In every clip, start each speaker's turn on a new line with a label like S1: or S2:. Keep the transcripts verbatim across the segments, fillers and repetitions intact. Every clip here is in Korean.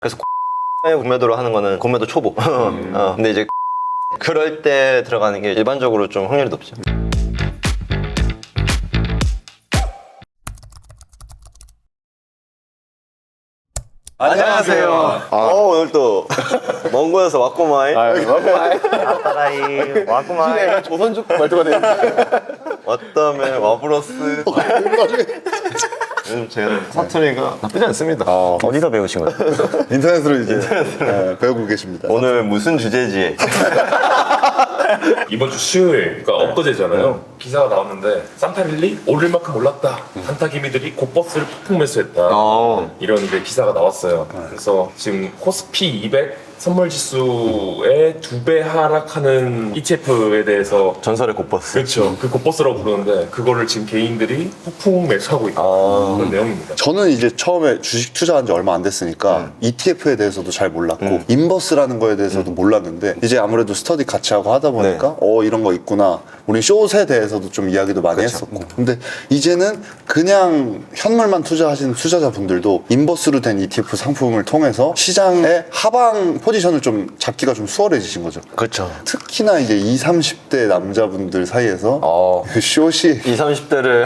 S1: 그래서 공매도로 하는 거는 공매도 초보. 음. 어, 근데 이제 그럴 때 들어가는 게 일반적으로 좀 확률이 높죠. 안녕하세요.
S2: 아.
S1: 어, 오늘 또 먼 곳에서 왔구마이.
S2: 왔구마이.
S3: 아따라이 왔구만.
S2: 조선족 말투가 되는데.
S1: 왔다며 와브러스. 요즘 제 사투리가 나쁘지 않습니다.
S3: 어, 어디서 배우신 거예요?
S2: 인터넷으로 이제 네, 배우고 계십니다.
S1: 오늘 무슨 주제지?
S4: 이번 주 수요일, 그러니까 엊그제잖아요. 기사가 나왔는데 산타릴리 오를 만큼 올랐다. 산타 기미들이 곧버스를 폭풍 매수했다.
S1: 어.
S4: 이런 이제 기사가 나왔어요. 그래서 지금 코스피 이백 선물 지수의 두 배 하락하는 이티에프에 대해서
S1: 전설의 곧버스.
S4: 그렇죠. 그 곧버스라고 부르는데 그거를 지금 개인들이 폭풍 매수하고 있다.
S1: 아.
S4: 그런 내용입니다.
S2: 저는 이제 처음에 주식 투자한 지 얼마 안 됐으니까
S1: 음.
S2: 이티에프에 대해서도 잘 몰랐고
S1: 음.
S2: 인버스라는 거에 대해서도 몰랐는데 이제 아무래도 스터디 같이 하고 하다 보니까
S1: 네.
S2: 어 이런 거 있구나. 우리 숏에 대해서도 좀 이야기도 많이
S1: 그렇죠.
S2: 했었고 근데 이제는 그냥 현물만 투자하시는 투자자분들도 인버스로 된 이티에프 상품을 통해서 시장의 하방 포지션을 좀 잡기가 좀 수월해지신 거죠.
S1: 그렇죠.
S2: 특히나 이제 이십, 삼십 대 남자분들 사이에서
S1: 어.
S2: 숏이
S1: 이십, 삼십 대를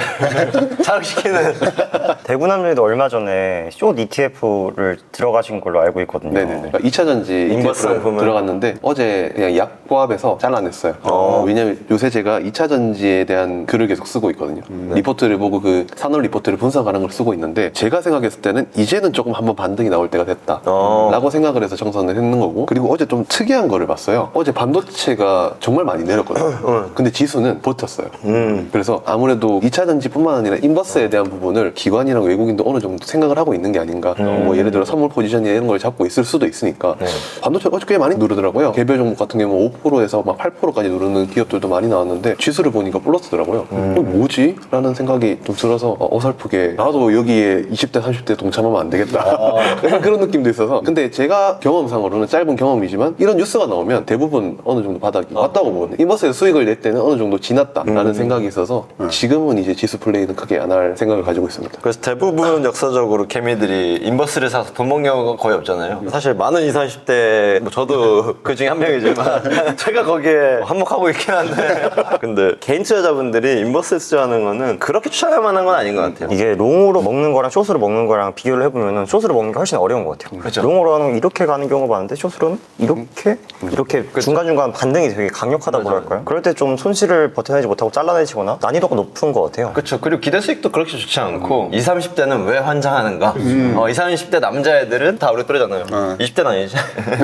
S1: 자극시키는.
S3: 대구 남녀도 얼마 전에 숏 이티에프를 들어가신 걸로 알고 있거든요.
S5: 네네네. 그러니까 이 차 전지
S1: 인버스
S5: 이티에프를
S1: 상품을?
S5: 들어갔는데 어제 그냥 약보합에서 잘라냈어요.
S1: 어.
S5: 왜냐면 요새 제가 이 차 전지에 대한 글을 계속 쓰고 있거든요. 리포트를 보고 그 산업 리포트를 분석하는 걸 쓰고 있는데 제가 생각했을 때는 이제는 조금 한번 반등이 나올 때가 됐다
S1: 어.
S5: 라고 생각을 해서 정선을 했는 거고 그리고 어제 좀 특이한 거를 봤어요. 어제 반도체가 정말 많이 내렸거든요. 근데 지수는 버텼어요.
S1: 음.
S5: 그래서 아무래도 이 차 전지뿐만 아니라 인버스에 대한 부분을 기관이랑 외국인도 어느 정도 생각을 하고 있는 게 아닌가.
S1: 음.
S5: 뭐 예를 들어 선물 포지션이나 이런 걸 잡고 있을 수도 있으니까
S1: 네.
S5: 반도체가 어제 꽤 많이 누르더라고요. 개별 종목 같은 경우는 오 퍼센트에서 막 팔 퍼센트까지 누르는 기업들도 많이 나왔는데 지수를 보니까 플러스더라고요.
S1: 음.
S5: 어, 뭐지? 라는 생각이 좀 들어서 어, 어설프게 나도 여기에 이십 대, 삼십 대 동참하면 안 되겠다.
S1: 아.
S5: 약간 그런 느낌도 있어서 근데 제가 경험상으로는 짧은 경험이지만 이런 뉴스가 나오면 대부분 어느 정도 바닥이 왔다고 보거든요. 인버스에서 수익을 낼 때는 어느 정도 지났다라는
S1: 음.
S5: 생각이 있어서 지금은 이제 지수 플레이는 크게 안 할 생각을 가지고 있습니다.
S1: 그래서 대부분 역사적으로 개미들이 인버스를 사서 돈 먹는 경우가 거의 없잖아요. 사실 많은 이십, 삼십 대, 뭐 저도 그 중에 한 명이지만 제가 거기에 한몫하고 있긴 한데 근데 개인 투자자분들이 인버스에 투자하는 거는 그렇게 추천할 만한 건 아닌 것 같아요.
S3: 이게 롱으로 먹는 거랑 숏으로 먹는 거랑 비교를 해보면 숏으로 먹는 게 훨씬 어려운 것 같아요.
S1: 그렇죠.
S3: 롱으로 하는 건 이렇게 가는 경우가 많은데 숏으로는 이렇게 이렇게 중간중간 반등이 되게 강력하다고 할까요? 그럴 때 좀 손실을 버텨내지 못하고 잘라내시거나 난이도가 높은 것 같아요.
S1: 그렇죠. 그리고 기대 수익도 그렇게 좋지 않고 이십, 삼십 대는 왜 환장하는가? 어, 이십, 삼십 대 남자애들은 다 우리 또래잖아요.
S2: 어.
S1: 이십 대는 아니지.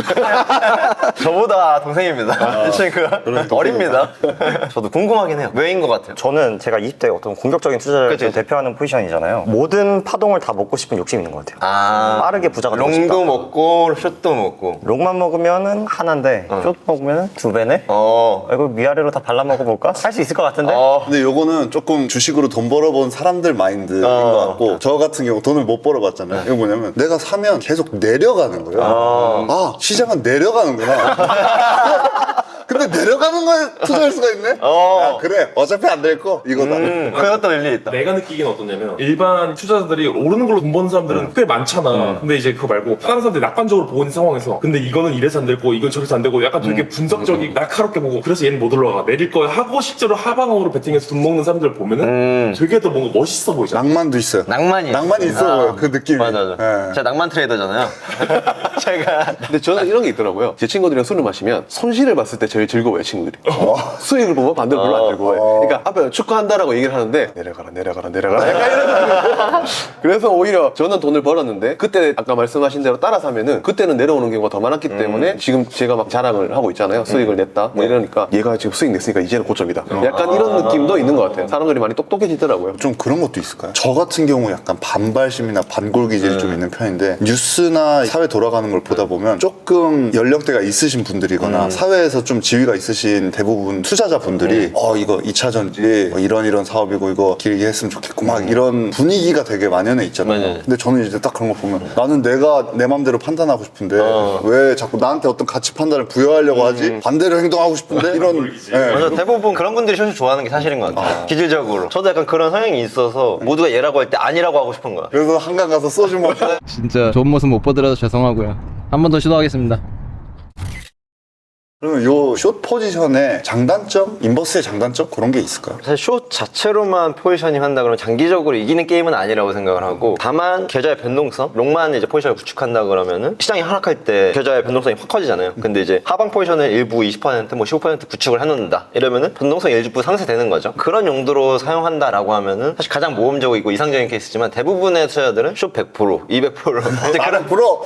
S1: 저보다 동생입니다. 이 친구가 어립니다. 저도 궁금하긴 해요. 왜인 것 같아요?
S3: 저는 제가 이십 대 어떤 공격적인 투자를
S1: 그치, 그치.
S3: 대표하는 포지션이잖아요. 모든 파동을 다 먹고 싶은 욕심이 있는 것 같아요.
S1: 아,
S3: 빠르게 부자가 되고 싶다.
S1: 롱도 먹고 숏도 먹고.
S3: 롱만 먹으면은 하나인데 숏 먹으면은 두 배네?
S1: 어.
S3: 아, 이거 위아래로 다 발라 먹어볼까? 할 수 있을 것 같은데?
S1: 어.
S2: 근데 요거는 조금 주식으로 돈 벌어본 사람들 마인드인
S1: 어.
S2: 것 같고 저 같은 경우 돈을 못 벌어봤잖아요. 이거 뭐냐면 내가 사면 계속 내려가는 거예요.
S1: 어.
S2: 아 시장은 내려가는구나. 근데 내려가는 거에 투자할 수가 있네?
S1: 어.
S2: 야, 그래 어차피 안 될 거 이거다.
S1: 음, 그것도 일리 있다.
S4: 내가 느끼기는 어떠냐면 일반 투자자들이 오르는 걸로 돈 버는 사람들은 꽤 많잖아. 근데 이제 그거 말고 다른 사람들이 낙관적으로 보고 있는 상황에서 근데 이거는 이래서 안 되고 이건 저래서 안 되고 약간 되게 분석적이 날카롭게 보고 그래서 얘는 못 올라가 내릴 거야 하고 실제로 하방으로 베팅해서 돈 먹는 사람들 보면은
S1: 음.
S4: 되게 더 뭔가 멋있어 보이잖아.
S2: 낭만도 있어요.
S1: 낭만이
S2: 낭만이 있어
S1: 아,
S2: 보여요. 그 느낌이.
S1: 맞아, 맞아.
S2: 예.
S1: 제가 낭만 트레이더잖아요. 제가
S5: 근데 저는 이런 게 있더라고요. 제 친구들이랑 술을 마시면 손실을 봤을 때 제일 즐거워요, 친구들이. 수익을 보면 반대로 별로 안 즐거워요. 그러니까 앞에 축하한다라고 얘기를 하는데 내려가라, 내려가라, 내려가라. 약간 이런 그래서 오히려 저는 돈을 벌었는데 그때 아까 말씀하신 대로 따라 사면은 그때는 내려오는 경우가 더 많았기 때문에 지금 제가 막 자랑을 하고 있잖아요. 수익을 냈다. 뭐 이러니까 얘가 지금 수익 냈으니까 이제는 고점이다. 약간 이런 느낌도 있는 것 같아요. 사람들이 많이 똑똑해지더라고요.
S2: 좀 그런 것도 있을까요? 저 같은 경우 약간 반발심이나 반골 기질이 좀 있는 편인데 뉴스나 사회 돌아가는 걸 보다 보면 조금 연령대가 있으신 분들이거나 사회에서 좀 좀 지위가 있으신 대부분 투자자분들이 어 이거 이 차전지 뭐 이런 이런 사업이고 이거 길게 했으면 좋겠고 막 이런 분위기가 되게 만연해 있잖아요.
S1: 맞아요.
S2: 근데 저는 이제 딱 그런 거 보면 나는 내가 내 맘대로 판단하고 싶은데
S1: 어.
S2: 왜 자꾸 나한테 어떤 가치 판단을 부여하려고 하지? 반대로 행동하고 싶은데 이런 예.
S1: 맞아, 대부분 그런 분들이 쇼츠 좋아하는 게 사실인 것 같아요. 기질적으로. 저도 약간 그런 성향이 있어서 모두가 얘라고 할 때 아니라고 하고 싶은 거야.
S2: 그래서 한강 가서 소주 먹고
S6: 진짜 좋은 모습 못 보더라도 죄송하고요. 한 번 더 시도하겠습니다.
S2: 그러면 요 숏 포지션의 장단점, 인버스의 장단점 그런 게 있을까요?
S1: 사실 숏 자체로만 포지셔닝 한다 그러면 장기적으로 이기는 게임은 아니라고 생각을 하고 다만 계좌의 변동성, 롱만 이제 포지션을 구축한다 그러면은 시장이 하락할 때 계좌의 변동성이 확 커지잖아요. 근데 이제 하방 포지션을 일부 이십 퍼센트, 뭐 십오 퍼센트 구축을 해놓는다 이러면은 변동성이 일부 상쇄되는 거죠. 그런 용도로 사용한다라고 하면은 사실 가장 모험적이고 이상적인 케이스지만 대부분의 투자자들은 숏 백 퍼센트, 이백 퍼센트 이제 그런
S2: 프로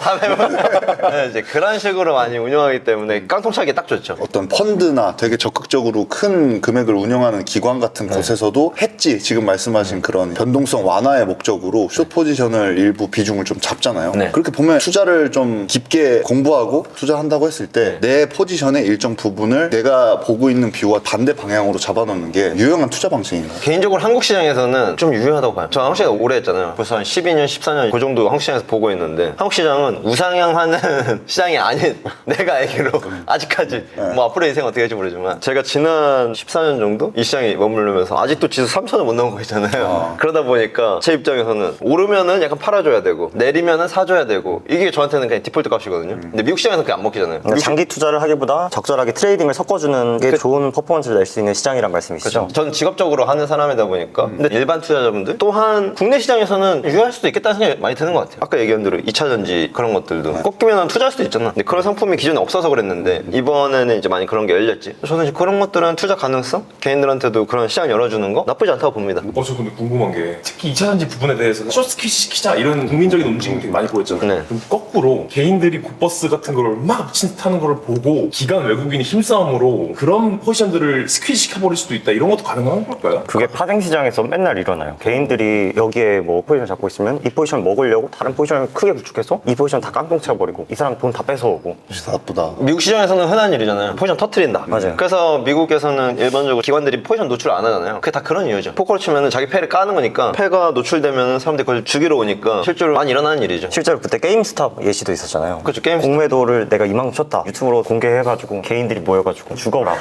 S1: 네, 이제 그런 식으로 많이 운영하기 때문에 깡통차기 딱 좋죠.
S2: 어떤 펀드나 되게 적극적으로 큰 금액을 운영하는 기관 같은 곳에서도 했지 지금 말씀하신 그런 변동성 완화의 목적으로 숏 포지션을 일부 비중을 좀 잡잖아요.
S1: 네.
S2: 그렇게 보면 투자를 좀 깊게 공부하고 투자한다고 했을 때 내 포지션의 일정 부분을 내가 보고 있는 뷰와 반대 방향으로 잡아놓는 게 유용한 투자 방식인가요?
S1: 개인적으로 한국 시장에서는 좀 유효하다고 봐요. 저 한국 시장 오래 했잖아요. 벌써 한 십이 년, 십사 년 그 정도 한국 시장에서 보고 있는데 한국 시장은 우상향하는 시장이 아닌 내가 알기로 아직까지 뭐 앞으로 인생 어떻게 될지 모르지만 제가 지난 십사 년 정도 이 시장에 머무르면서 아직도 지수 삼천을 못 넘은 거 있잖아요. 그러다 보니까 제 입장에서는 오르면은 약간 팔아줘야 되고 내리면은 사줘야 되고 이게 저한테는 그냥 디폴트 값이거든요. 근데 미국 시장에서 그게 안 먹히잖아요.
S3: 그러니까 장기 투자를 하기보다 적절하게 트레이딩을 섞어주는 게 좋은 퍼포먼스를 낼 수 있는 시장이란 말씀이시죠?
S1: 그렇죠. 전 직업적으로 하는 사람이다 보니까 근데 일반 투자자분들 또한 국내 시장에서는 유효할 수도 있겠다는 생각이 많이 드는 것 같아요. 아까 얘기한 대로 이 차 전지 그런 것들도 꺾이면 투자할 수도 있잖아. 근데 그런 상품이 기존에 없어서 그랬는데 이번에는 이제 많이 그런 게 열렸지. 저는 이제 그런 것들은 투자 가능성? 개인들한테도 그런 시장 열어주는 거 나쁘지 않다고 봅니다.
S4: 어, 저 근데 궁금한 게 특히 이 차 전지 부분에 대해서 숏스키 시키자 이런 국민적인 움직임이 되게 많이 보였잖아요.
S1: 네.
S4: 그럼 거꾸로 개인들이 굿버스 같은 거를 막 미친 듯 하는 거를 보고 기관 외국인이 힘싸움으로 그런 포지션들을 스퀴즈 시켜버릴 수도 있다 이런 것도 가능한 걸까요?
S3: 그게 파생 시장에서 맨날 일어나요. 개인들이 여기에 뭐 포지션 잡고 있으면 이 포지션 먹으려고 다른 포지션을 크게 구축해서 이 포지션 다 깡통 쳐버리고 이 사람 돈 다 뺏어오고.
S2: 진짜 나쁘다.
S1: 미국 시장에서는 흔한 일이잖아요. 포지션 터트린다.
S3: 맞아요.
S1: 그래서 미국에서는 일반적으로 기관들이 포지션 노출 안 하잖아요. 그게 다 그런 이유죠. 포커로 치면 자기 패를 까는 거니까 패가 노출되면 사람들이 그걸 죽이러 오니까 실제로 많이 일어나는 일이죠.
S3: 실제로 그때 게임스탑 예시도 있었잖아요.
S1: 그렇죠. 게임스탑.
S3: 공매도를 내가 이만큼 쳤다. 유튜브로 공개해가지고 개인들이 모여가지고 죽어라.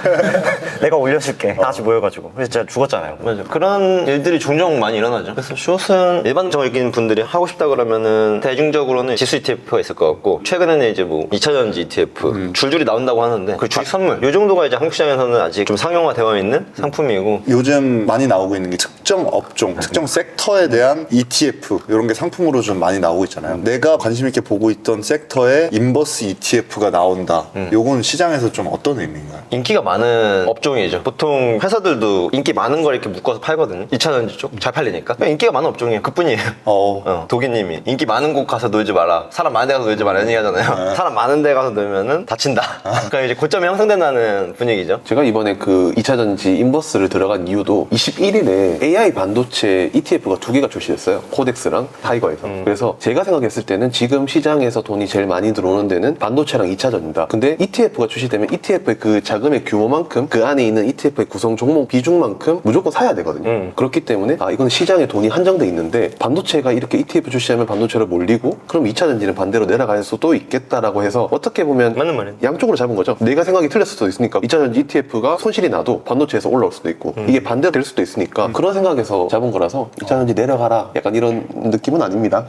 S3: 내가 올려줄게. 다 같이 모여가지고. 그래서 진짜 죽었잖아요.
S1: 맞아. 그런 일들이 종종 많이 일어나죠. 그래서 숏은 일반적인 분들이 하고 싶다 그러면은 대중적으로는 지수 이티에프가 있을 것 같고 최근에는 이제 뭐 이 차 전지 이티에프 줄줄이 나온다고 하는데 그 주식 선물 이 정도가 이제 한국 시장에서는 아직 좀 상용화되어 있는 상품이고
S2: 요즘 많이 나오고 있는 게 특정 업종, 특정 섹터에 대한 이티에프 이런 게 상품으로 좀 많이 나오고 있잖아요. 내가 관심 있게 보고 있던 섹터에 인버스 이티에프가 나온다. 요건 시장에서 좀 어떤 의미인가요?
S1: 인기가 많은 업종이죠. 보통 회사들도 인기 많은 걸 이렇게 묶어서 팔거든요. 이 차 전지 쪽 잘 팔리니까 그냥 인기가 많은 업종이에요. 그뿐이에요.
S2: 어.
S1: 어, 도기님이 인기 많은 곳 가서 놀지 마라. 사람 많은 데 가서 놀지 마라. 이런 얘기 하잖아요. 사람 많은 데 가서 놀면은 다친다. 그러니까 이제 고점이 형성된다는 분위기죠.
S5: 제가 이번에 그 이 차 전지 인버스를 들어간 이유도 이십일 일에 에이아이 반도체 이티에프가 두 개가 출시됐어요. 코덱스랑 타이거에서.
S1: 음.
S5: 그래서 제가 생각했을 때는 지금 시장에서 돈이 제일 많이 들어오는 데는 반도체랑 이 차 전지다. 근데 이티에프가 출시되면 이티에프의 그 자금의 규모만큼 그 안에 있는 이티에프의 구성 종목 비중만큼 무조건 사야 되거든요.
S1: 음.
S5: 그렇기 때문에 아 이건 시장에 돈이 한정돼 있는데 반도체가 이렇게 이티에프 출시하면 반도체로 몰리고 그럼 이 차 전지는 반대로 내려갈 수도 있겠다라고 해서 어떻게 보면
S1: 맞는 말이에요.
S5: 양쪽으로 잡은 거죠. 내가 생각이 틀렸을 수도 있으니까 이 차 전지 이티에프가 손실이 나도 반도체에서 올라올 수도 있고 이게 반대로 될 수도 있으니까 그런 생각에서 잡은 거라서 이 차 전지 내려가라 약간 이런 느낌은 아닙니다.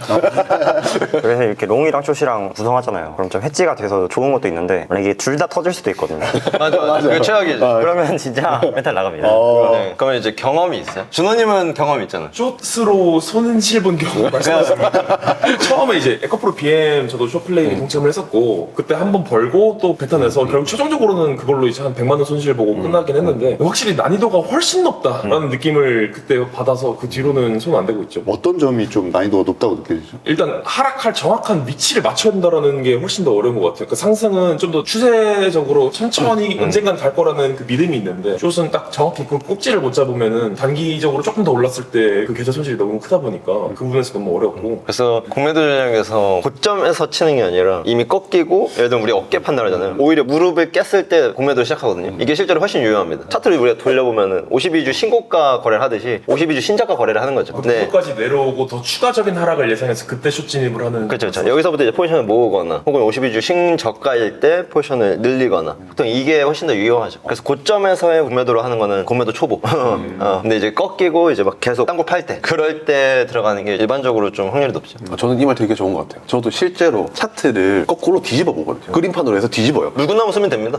S3: 그래서 이렇게 롱이랑 숏이랑 구성하잖아요. 그럼 좀 해지가 돼서 좋은 것도 있는데 만약에 둘 다 터질 수도 있거든요.
S1: 맞아, 맞아. 그게 최악이죠.
S3: 그러면 진짜 멘탈 나갑니다.
S1: 네. 그러면 이제 경험이 있어요? 준호님은 경험 있잖아요.
S4: 숏으로 손실 본 경우 말씀하셨습니다. 처음에 이제 에코프로 비엠 저도 숏플레이 동참을 했었고 그때 한 번 벌고 또 뱉어내서 결국 최종적으로는 그걸로 이제 한 백만 원 손실 보고 끝나긴 했는데 확실히 난이도가 훨씬 높다라는 느낌을 그때 받아서 그 뒤로는 손 안 대고 있죠.
S2: 어떤 점이 좀 난이도가 높다고 느껴지죠?
S4: 일단 하락할 정확한 위치를 맞춰야 된다는 게 훨씬 더 어려운 것 같아요. 그 상승은 좀 더 추세적으로 천천히 언젠간 갈 거라는 그 믿음이 있는데 숏은 딱 정확히 그 꼭지를 못 잡으면은 단기적으로 조금 더 올랐을 때 그 계좌 손실이 너무 크다 보니까 그 부분에서 너무 어렵고.
S1: 그래서 공매도 전략에서 고점에서 치는 게 아니라 이미 꺾이고 예를 들면 우리 어깨 판단하잖아요. 오히려 무릎을 깼을 때 공매도를 시작하거든요. 이게 실제로 훨씬 유효합니다. 차트를 우리가 돌려보면은 오십이 주 신고가 거래를 하듯이 오십이 주 신저가 거래를 하는 거죠. 네.
S4: 그것까지 내려오고 더 추가적인 하락을 예상해서 그때 숏 진입을 하는.
S1: 그렇죠, 그렇죠. 여기서부터 이제 포지션을 모으거나 혹은 오십이 주 신저가일 때 포지션을 늘리거나 보통 이게 훨씬 더 유효하죠. 그래서 고점에서의 공매도로 하는 거는 공매도 초보. 어, 근데 이제 꺾이고 이제 막 계속 딴 거 팔 때 그럴 때 들어가는 게 일반적으로 좀 확률이 높죠.
S5: 아, 저는 이 말 되게 좋은 것 같아요. 저도 실제로 차트를 거꾸로 뒤집어 보거든요. 그림판으로 해서 뒤집어요.
S1: 물구나무 쓰면 됩니다.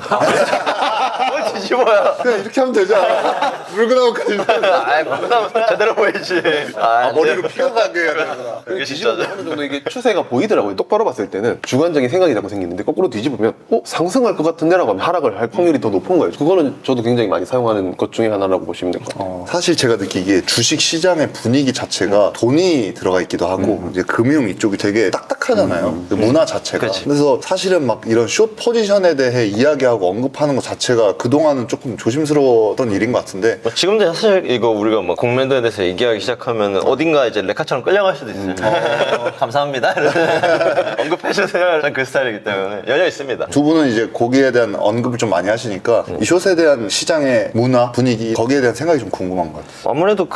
S1: 뭘 뒤집어요?
S2: 그냥 이렇게 하면 되지 않아? 물구나무까지.
S1: 아, 물구나무 제대로 보이지. 아,
S2: 머리로 피가 가게 해야 되구나.
S1: 이게
S5: 뒤집으면
S1: 진짜죠.
S5: 어느 정도 이게 추세가 보이더라고요. 똑바로 봤을 때는 주관적인 생각이 자꾸 생기는데 거꾸로 뒤집으면 어? 상승할 것 같은데라고 하면 하락을 할 확률이 더 높은 거예요. 그거는 저도 굉장히 많이 사용하는 것 중에 하나라고 보시면 될 것 같아요.
S2: 어, 사실 제가 느끼기에 주식 시장의 분위기 자체가 돈이 들어가 있기도 하고 이제 금융 이쪽이 되게 딱딱하잖아요. 그 문화 자체가.
S1: 그치.
S2: 그래서 사실은 막 이런 숏 포지션에 대해 이야기하고 언급하는 것 자체가 그동안은 조금 조심스러웠던 일인 것 같은데
S1: 뭐 지금도 사실 이거 우리가 뭐 공매도에 대해서 얘기하기 시작하면 어딘가 이제 레카처럼 끌려갈 수도 있어요. 감사합니다. 언급해주세요. 전 그 스타일이기 때문에 열려 있습니다.
S2: 두 분은 이제 거기에 대한 언급을 좀 많이 하시니까 이 숏에 대한 시장의 문화, 분위기 거기에 대한 생각이 좀 궁금한 것 같아요.
S1: 아무래도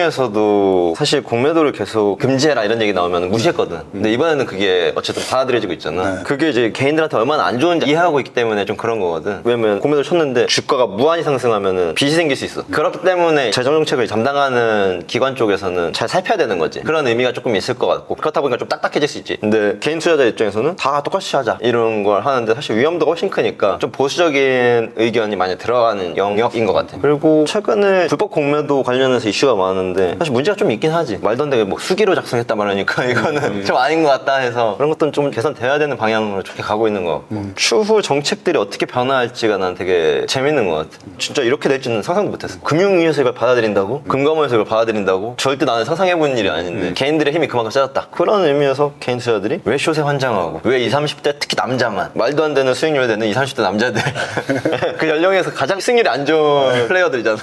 S1: 금융위에서도 사실 공매도를 계속 금지해라 이런 얘기 나오면 무시했거든. 근데 이번에는 그게 어쨌든 받아들여지고 있잖아. 그게 이제 개인들한테 얼마나 안 좋은지 이해하고 있기 때문에 좀 그런 거거든. 왜냐면 공매도를 쳤는데 주가가 무한히 상승하면은 빚이 생길 수 있어. 그렇기 때문에 재정정책을 담당하는 기관 쪽에서는 잘 살펴야 되는 거지. 그런 의미가 조금 있을 것 같고 그렇다 보니까 좀 딱딱해질 수 있지. 근데 개인 투자자 입장에서는 다 똑같이 하자 이런 걸 하는데 사실 위험도가 훨씬 크니까 좀 보수적인 의견이 많이 들어가는 영역인 것 같아. 그리고 최근에 불법 공매도 관련해서 이슈가 많은데 사실 문제가 좀 있긴 하지. 말도 안 되게 뭐 수기로 작성했단 말이니까 이거는 좀 아닌 것 같다 해서 그런 것들은 좀 개선돼야 되는 방향으로 좋게 가고 있는 것 같고 추후 정책들이 어떻게 변화할지가 난 되게 재밌는 것 같아. 진짜 이렇게 될지는 상상도 못했어. 금융위에서 이걸 받아들인다고? 금감원에서 이걸 받아들인다고? 절대 나는 상상해본 일이 아닌데 개인들의 힘이 그만큼 세졌다. 그런 의미에서 개인 투자들이 왜 숏에 환장하고 왜 이십, 삼십 대 특히 남자만 말도 안 되는 수익률 되는 이십, 삼십 대 남자들 그 연령에서 가장 수익률이 안 좋은 플레이어들이잖아.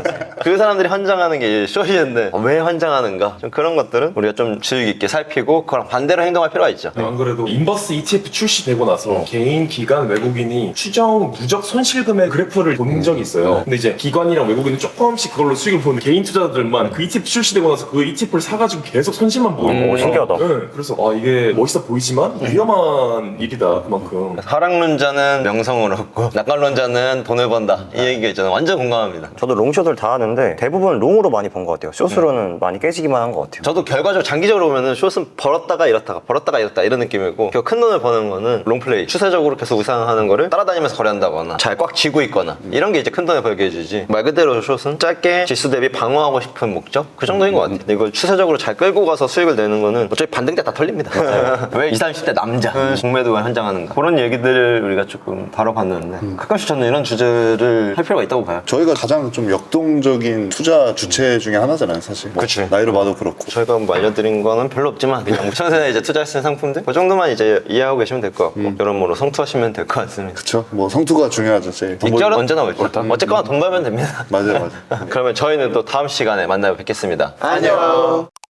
S1: 그 사람들이 환장하는 게 숏이었는데 왜 환장하는가? 좀 그런 것들은 우리가 좀 주의 깊게 살피고 그랑 반대로 행동할 필요가 있죠.
S4: 안 그래도 인버스 이티에프 출시되고 나서 개인, 기관, 외국인이 추정 누적 손실 금액 그래프를 본 적이 있어요. 근데 이제 기관이랑 외국인은 조금씩 그걸로 수익을 보는 개인 투자자들만 그 이티에프 출시되고 나서 그 이티에프를 사가지고 계속 손실만 보이는 거예요.
S3: 신기하다.
S4: 네, 그래서 아 이게 멋있어 보이지만 위험한 일이다 그만큼.
S1: 하락론자는 명성을 얻고 낙관론자는 돈을 번다 이 얘기가 있잖아. 완전 공감합니다.
S3: 저도 롱숏을 다 하는데 대부분 롱으로 많이 본 것 같아요. 숏으로는 많이 깨지기만 한 것 같아요.
S1: 저도 결과적으로 장기적으로 보면은 숏은 벌었다가 잃었다가 벌었다가 잃었다 이런 느낌이고 결국 큰 돈을 버는 거는 롱플레이 추세적으로 계속 우상하는 거를 따라다니면서 거래한다거나 잘 꽉 쥐고 있거나 이런 게 이제 큰 돈을 벌게 해주지. 말 그대로 숏은 짧게 지수 대비 방어하고 싶은 목적 그 정도인 것 같아요. 근데 이걸 추세적으로 잘 끌고 가서 수익을 내는 거는 어차피 반등 때 다 털립니다. 왜 이십, 삼십 대 남자 공매도가 현장하는가 그런 얘기들을 우리가 조금 다뤄봤는데 가끔씩 저는 이런 주제를 할 필요가 있다고 봐요.
S2: 저희가 가장 좀 역동적인 투자 주체 중에 하나잖아요, 사실. 뭐
S1: 그치.
S2: 나이로 봐도 그렇고.
S1: 저희가 뭐 알려드린 거는 별로 없지만 그냥 무청세에 이제 투자할 수 있는 상품들 그 정도만 이제 이해하고 계시면 될 것 같고 여러모로 성투하시면 될 것 같습니다.
S2: 그쵸? 뭐 성투가 중요하죠, 제일. 돈
S1: 익절은
S2: 벌-
S1: 언제나 옳죠. 어쨌거나 돈 벌면 됩니다.
S2: 맞아요, 맞아요.
S1: 그러면 저희는 또 다음 시간에 만나 뵙겠습니다. 안녕.